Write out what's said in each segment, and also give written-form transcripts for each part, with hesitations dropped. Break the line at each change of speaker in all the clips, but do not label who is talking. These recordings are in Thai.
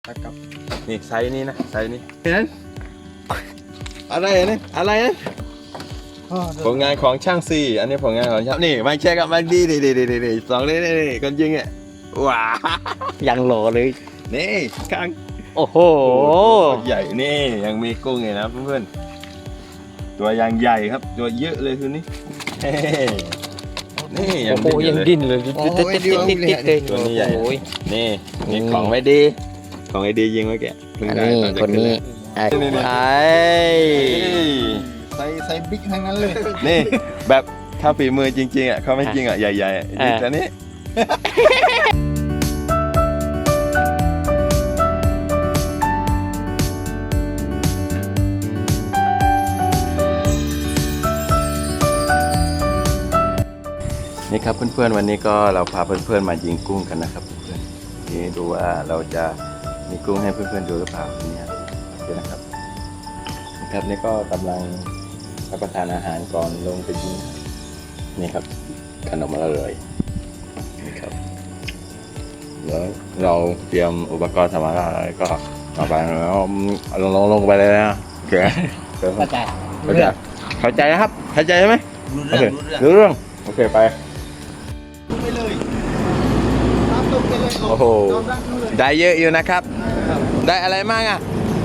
นะครับ
นี่ไซส์นี้นะไซส์นี้
นั้นอะไรนะอะไรนะ
ผลงานของช่างซีอันนี้ผลงานของช่างนี่มาเช็คกับมาดีสองนี่คนยิงอ่ะว้า
ยังโหลเลย
นี่ข้าง
โอ้โห
ใหญ่นี่ยังมีกุ้งไงนะเพื่อนๆตัวยังใหญ่ครับตัวเยอะเลยคืนนี้นี่ยั
โอ้
ง
โห
ดิ้นอยู่
ยัง
เลย
ดิ้นเลยติดเลย
ตัวนี้ใหญ่
โอ้ย
นี่นี่ของไม่ดีของไอ้ดียิงไว้แกเพิ่ง
อัน
ได้
นี้
ตอจะ
คนนี้
ไอ้
ไอ้
ใส่บิ๊กทั้งนั้นเลย
นี่แบบถ้าฝีมือจริงๆอ่ะเขาไม่จริงอ่ะใหญ่ๆยิงแต่นี้นี่ครับเพื่อนๆวันนี้ก็เราพาเพื่อนๆมายิงกุ้งกันนะครับเพื่อนๆนี่ดูว่าเราจะมีกุ้งให้เพื่อนๆดูหรือเปล่าเนี่ยโอเคนะครับนะครับนี่ก็กำลังรับประทานอาหารก่อนลงไปยิงนี่ครับขนมอร่อยนี่ครับแล้วเราเตรียมอุปกรณ์สำหรับอะไรก็มาไปแล้วลงไปเลยนะโอเค
เข้าใจ
เข้าใจนะครับเข้าใจใช่ไหม
รู้เรื่อง
โอเคไป
ไปเลยตามตรงไปเลย
โอ้โห
ยอมรับเลย
ได้เยอะอยู่นะครับ ได้อะไรมากอ่ะ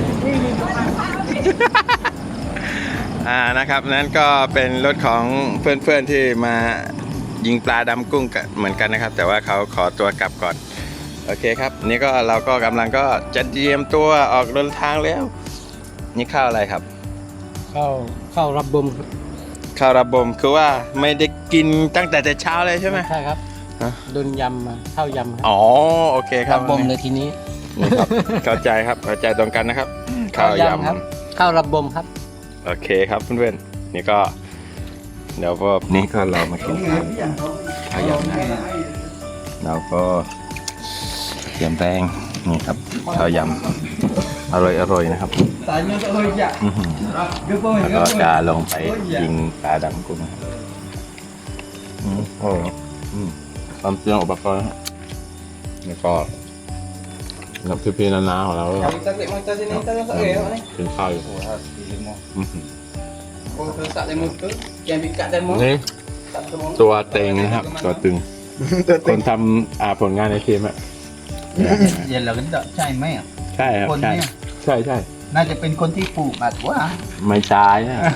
นะครับนั้นก็เป็นรถของเพื่อนๆที่มายิงปลาดำกุ้งกันเหมือนกันนะครับ แต่ว่าเขาขอตัวกลับก่อนโอเคครับนี่ก็เราก็กำลังก็จะเตรียมตัวออกเดินทางแล้วนี่ข้าวอะไรครับ
เข้ารับบม
ข้าวระบมคือว่าไม่ได้กินตั้งแต่เช้าเลยใช่ไหม
ใช่ครับ
ฮะ
โดนยำมาเข้ายำครับ
อ๋อโอเคครับ
รับบมเลยทีนี้
นี่ครับเข้าใจครับเข้าใจตรงกันนะครับข้าวย
ครับเข้ารับบมครับ
ำโอเคครับเพื่อนๆนี่ก็เดี๋ยวก็นี่ก็เรามากินข้าวยำนะเราก็เตรียมแป้งนี่ครับข้าวยำอร่อยนะครับ
ตายเนื้อก็เลยจ้ะ
อื้อหือ
เดี๋ยวพ่อเห็น
แล้ว
ก็
ก็จะลงไปยิงปลาดำกุ้งนะครับโอ้ความเตรียมอุปกรณ์ครับแล้วก็กับพี่ๆน้าๆของเราก็
ตักเล็กมาตักที่นี่ตักเอ๋อนี่
กินข้าวอยู่
โอ้โหดีเลยมั้ง
อื้อหือ
โอ้เธอตักเลยมั้งเออแกมีกัดได้มั้ง
นี่
ตักตัวมั้ง
ตัวเต็งนะครับ ตัวตึง คนทำผลงานในทีมอะ
เย็นเราก็ได้ใช่ไหมอ่ะ
ใช่ครับ
คน
ใช่
เนี่ย
ใช่ใช่
น่าจะเป็นคนที่ปลูกอัดว่า
ไม่ตาย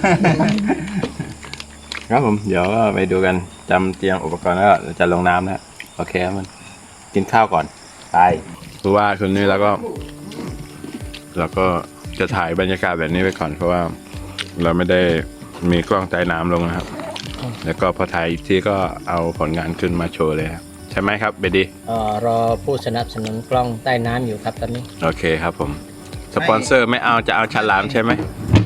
นะครับผมเดี๋ยวก็ไปดูกันจำเตรียมอุปกรณ์แล้วเราจะลงน้ำแล้วโอเคครับมันกินข้าวก่อนไปเพราะว่าคืนนี้เราก็จะถ่ายบรรยากาศแบบนี้ไปก่อนเพราะว่าเราไม่ได้มีกล้องใต้น้ำลงนะครับ แล้วก็พอถ่ายอีกทีก็เอาผลงานขึ้นมาโชว์เลยครับใช่ไหมครับเบดี
รอผู้สนับสนุนกล้องใต้น้ำอยู่ครับตอนนี้
โอเคครับผมสปอนเซอร์ไม่เอาจะเอาฉลามใช่ไหม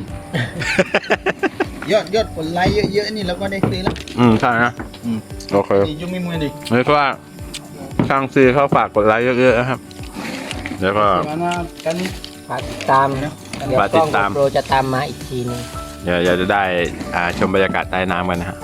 ยอดผลไลค์เยอะๆนี่เราก็ได้ซื้อแล้ว
ใช่นะโอเค
ดียุ่งไม่มือดิ
เพราะว่าช่างซีเขาฝากกดไลค์เยอะๆนะครับแล้วก็
มากันนี้
ฝากติดตามเดี๋ยว
ฝาก
ก
ติ
ล้อ
ด
ง
ตาม
โปรจะตามมาอีกทีนึง
เดี๋ยวจะได้ชมบรรยากาศใต้น้ำกันนะฮะ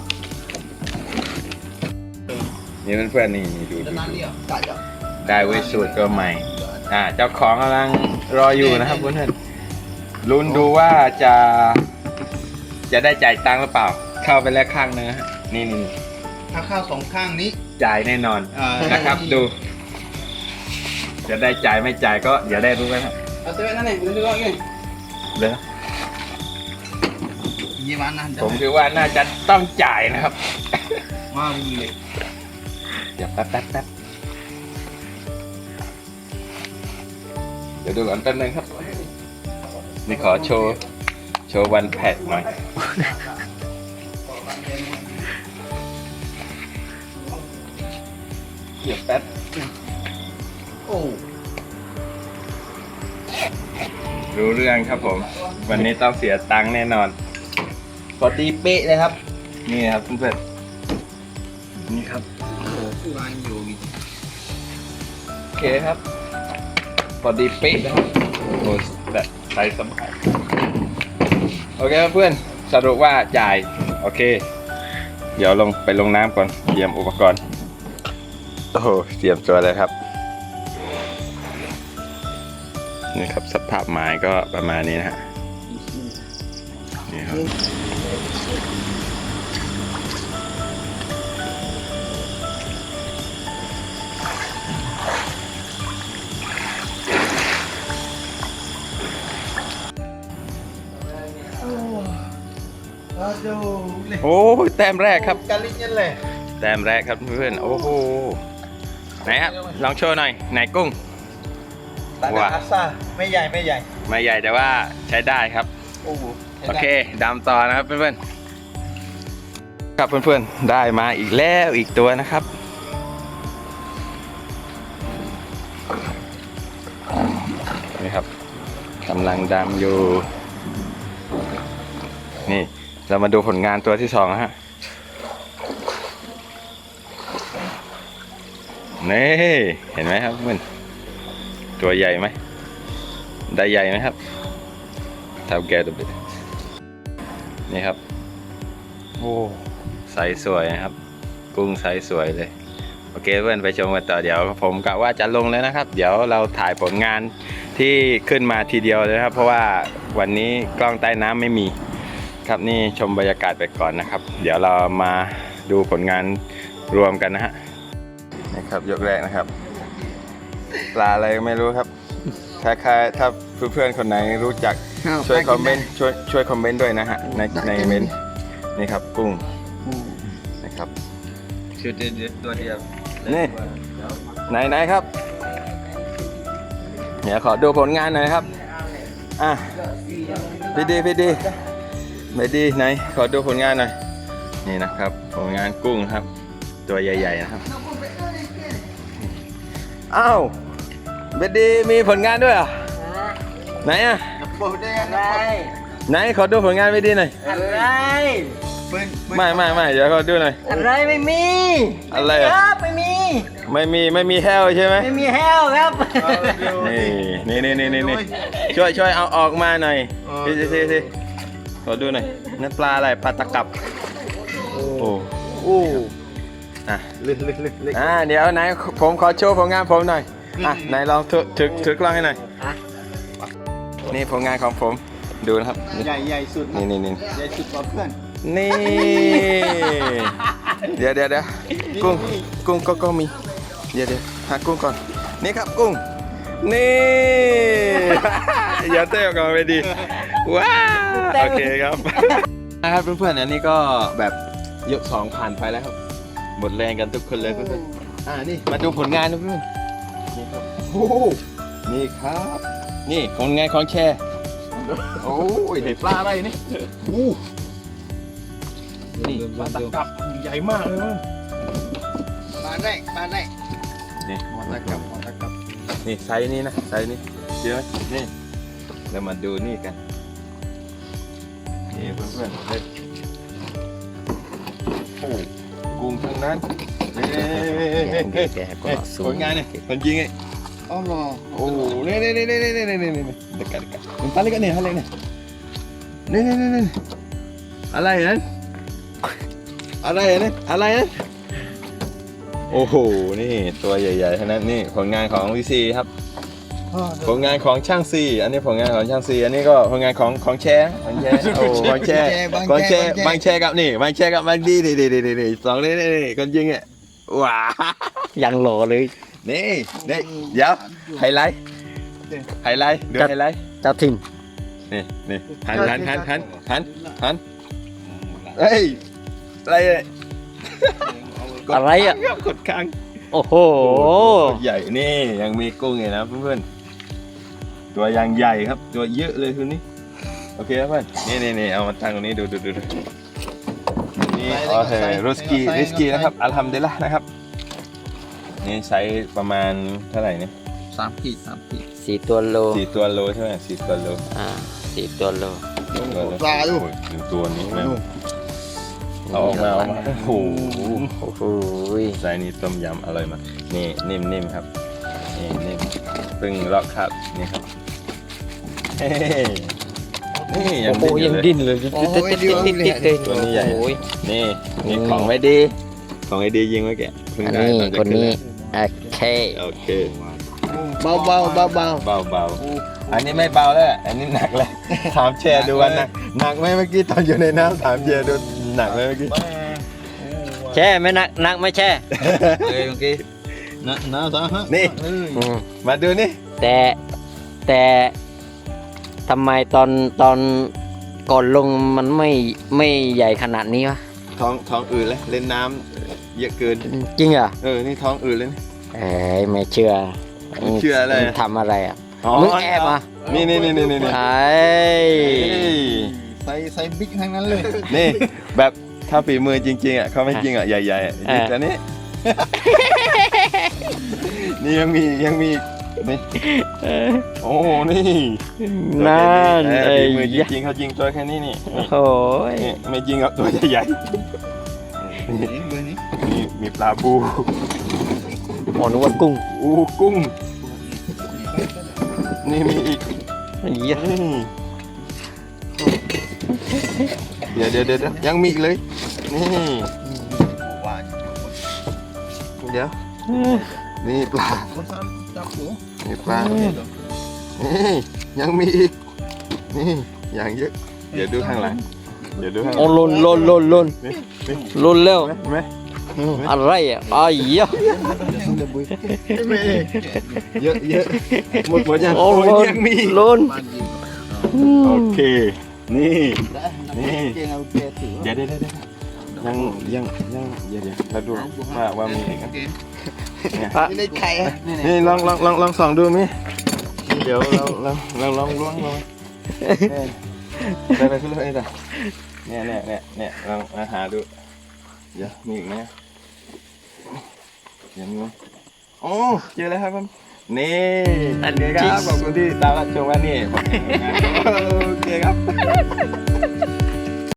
นี่เพื่อนๆนี่ดู
จะนั่งเดียวกัดจ้ะ
ได้เวทสูตรก็ใหม่เจ้าของกำลังรออยู่นะครับเพื่อนๆลุ้นดูว่าจะได้จ่ายตังค์หรือเปล่า เข้าไปแล้วข้างนึงฮะนี่
ถ้าข้าวสองข้างนี้
จ่ายแน่นอนนะครับดู จะได้จ่ายไม่จ่ายก็เดี๋ยวได้รู้กันครับ
เอาตัวนั่นเองดูว่าไง
เดี๋ยว
ยี่วันนั่น
ผมคิดว่าน่าจะต้องจ่ายนะครับ
มาวิ่งเลย
เดี๋ยวแป๊บเดี๋ยวดูก่อนแป๊บนึงครับนี่ขอโชว์วันแพทหน่อยเดี๋ยวแป๊บ
โอ้
รู้เรื่องครับผม วันนี้ต้องเสียตังค์แน่นอนพอดีเป๊ะเลยครับ นี่ครับเพื่อนๆนี่ครับ
วางอยู่
โอเคครับพอดีเป๊ะนะครับโอ้แบบใส่สบายโอเคครับเพื่อนสรุปว่าจ่ายโอเค เดี๋ยวไปลงน้ำก่อนเตรียมอุปกรณ์โอ้โหเตรียมตัวเลยครับนี่ครับสภาพไม้ก็ประมาณนี้นะฮะนี่ครับโอ้ยแต้มแรกครับ
กาลินเลย
แต้มแรกครับเพื่อนโอ้โหไหนครับลองโชว์หน่อยไหนกุ้ง
ตาดาอาซาไม่ใหญ่ไม่ใหญ่
ไม่ใหญ่แต่ว่าใช้ได้ครับ
โอ้โห
โอเคดำต่อนะครับเพื่อนๆครับเพื่อนๆได้มาอีกแล้วอีกตัวนะครับนี่ครับกำลังดำอยู่นี่เรามาดูผลงานตัวที่สองนะฮะนี่เห็นไหมครับเพื่อนตัวใหญ่ไหมได้ใหญ่ไหมครับเท่าแก่ตัวเบ็ดนี่ครับโอ้ไซส์สวยนะครับกุ้งไซส์สวยเลยโอเคเพื่อนไปชมกันต่อเดี๋ยวผมกะว่าจะลงแล้วนะครับเดี๋ยวเราถ่ายผลงานที่ขึ้นมาทีเดียวเลยครับเพราะว่าวันนี้กล้องใต้น้ำไม่มีครับนี่ชมบรรยากาศไปก่อนนะครับเดี๋ยวเรามาดูผลงานรวมกันนะฮะนะครับยกแรกนะครับปลาอะไรก็ไม่รู้ครับถ้าเพื่อนๆคนไหนรู้จักช่วยคอมเมนต์ช่วยคอมเมนต์ด้วยนะฮะในเมนต์นี่ครับกุ้งนะครับ
ชุดตัวเดียว
นี่ไหนครับเดี๋ยวขอดูผลงานหน่อยครับอ่ะพี่ดีไหนขอดูผลงานหน่อยนี่นะครับผลงานกุ้งครับตัวใหญ่ๆนะครับอ้าวเบดดีมีผลงานด้วยอ่ะไหนอ่ะ
โปรดได้อะไร
ไหนขอดูผลงานเบดดีหน่อย
อะไร
ไม่เดี๋ยวขอดูหน่อย
อะไรไม่มี
อะไร
ค
อ่ะ
รับไม่มี
แห้วใช่ไหม
ไม่มีแห้วครับ
นี่ช่วยเอาออกมาหน่อยสิขอดูหน่อยนั่นปลาอะไรปลาตะกับโอ้อ่ะ
ลึก
เดี๋ยวไหนผมขอโชว์ผลงานผมหน่อยอ่ะไหนลองถือกล้องให้หน่อยนี่ผลงานของผมดูนะครับ
ใหญ่สุด
นี่
ใหญ่สุดกว่าเพื่อน
นี่เดี๋ยวกุ้งก็มีเดี๋ยวหากุ้งก่อนนี่ครับกุ้งนี่อย่าเต้นก่อนไปดีว้าวโอเคครับนะครับเพื่อนๆอันนี้ก็แบบยก2ผ่านไปแล้วครับหมดแรงกันทุกคนเลยเพื่อนๆนี่มาดูผลงานนะเพื่อนนี่ครับโอ้นี่ครับนี่ผลงานของแชร์โอ้ยเห็นปลาอะไรนี่นี่ปลาตะกับใหญ่มากเลยมั้ง
มาได้
นี่มอตะกับนี่ไซส์นี้นะไซส์นี้เยอะนี่เรามาดูนี่กันนี่เพื่อนๆเฮ้ยโอ้กุ้งทั้งนั้นผลงานเนี่ยคนยิงไง
อ๋อเหรอ
โอ้นี่เด็กกันมันปลาเล็กกันเนี่ยอะไรเนี่ยนี่อะไรนั้นอะไรนั้นโอ้โหนี่ตัวใหญ่ๆทั้งนั้นนี่ผลงานของวีซีครับผลงานของช่างซีอันนี้ผลงานของช่างซีอันนี้ก็ผลงานของแชร์โอ้บางแชร์กับนี่บางแชร์กับบางดีสองนี่คนยิงอ่ะว้า
ยังหล่อเลย
นี่เดี๋ยวไฮไลท์ดูไฮไลท์
เจ้าถิ่น
นี่หันเฮ้ยอะไรเนี่ย
อะไรอ่ะ
กดค้าง
โอ้โห
ใหญ่นี่ยังมีกุ้งไงนะเพื่อนๆตัวยังใหญ่ครับตัวเยอะเลยคืนนี้โอเคครับเพื่อนนี่เอามาตั้งตรงนี้ดูนี่โอเคริสกี้นะครับอัลฮัมดุลิลละห์นะครับนี่ใช้ประมาณเท่าไหร่เนี่ย
3 ขีด
4 ตัวโล
4 ตัวโลใช่ไหม4 ตัวโล
4 ตัวโล
ปลาอยู่
หนึ่งตัวนี้แม่เอาออกมาโอ้โห
โอ้โห
ไซส์นี้ต้มยำอร่อยมากนี่นิ่มครับนี่นิ่มเพิ่งลอกครับนี่ครับนี่ยัง
โอ้ยังดิ้นเลยติดเลย
ตัวนี้ใหญ่นี่ของไม่ดียิงไว้แกเพิ่ง
อัน
ได้
นี้
ตอจะ
คนนี้
ขึ้
โอเค
โอเค
โอ้
เบาเบาเบาเบา
เบาอันนี้ไม่เบาแล้วอันนี้หนักเลยถามแชร์ดูว่าหนักไหมเมื่อกี้ตอนอยู่ในน้ำถามแชร์ดูหนักไหมเมื่อกี้
แช่ไม่นักไม่แช่
เลยเมื่อกี้นะซะฮะ
นี่
อืม
มาดูนี่
แต่ทำไมตอนก่อนลงมันไม่ใหญ่ขนาดนี้วะ
ท้องอืดเลยเล่นน้ำเยอะเกิน
จริงเหรอ
นี่ท้องอืดเลยนี่
เอ้ยไม่เชื่อ
ไม่เชื่ออะไรอะ
มึงทำอะไรอ่ะ
อ๋อ
มึงแอบอ่ะ
นี่
ไอ้
ใส่บิ๊กทั้งนั้นเลย
นี่แบบถ้าฝีมือจริงๆอ่ะเขาไม่จริงอ่ะใหญ่ๆอ่ะแต่นี่ นี่ยังมีนี่โอ้นี่
นั่น
ฝีมือจริงๆเขาจริงตัวแค่นี้นี่
โอ้ย
นี่ไม่จริงอ่ะตัวใหญ่
เบอร์นี้
ๆนี่มีปลาบู
หมอนึกว่ากุ้ง
กุ้งนี่มีอีก
เหี้ย
นี่เดี๋ยวยังมีอีกเลยนี่
ว่า
เดี๋ยวนี่ปลา
คนซ้ำจับหัว
นี่ปลานี่ยังมีอีกนี่อย่างเยอะเดี๋ยวดูข้างหลัง
โอ้ลน
นี่
ลนแล้ว
เห็นไหม
อะไรอ่ะอ้ายเหี้ย
เยอะหมดยัง
โอ้ลน
ยังมี
ลน
บ้านยิง
โอเคนี่
เก่งเอาเกถือ
เดี๋ยวยังเดี๋ยวเราดูว่ามีอีกไหม
นี่ในไข่
นี่ลองส่องดูมิเดี๋ยวเราลองล้วงลงไปขึ้นเลยจ้ะเนี่ยลองมาหาดูเดี๋ยวมีอีกไหมเดี๋ยวมีไหมโอ้เจอแล้วครับผมนี่อันนี้ครับขอบคุณที่ตามรับชมวันนี้โอเคครับ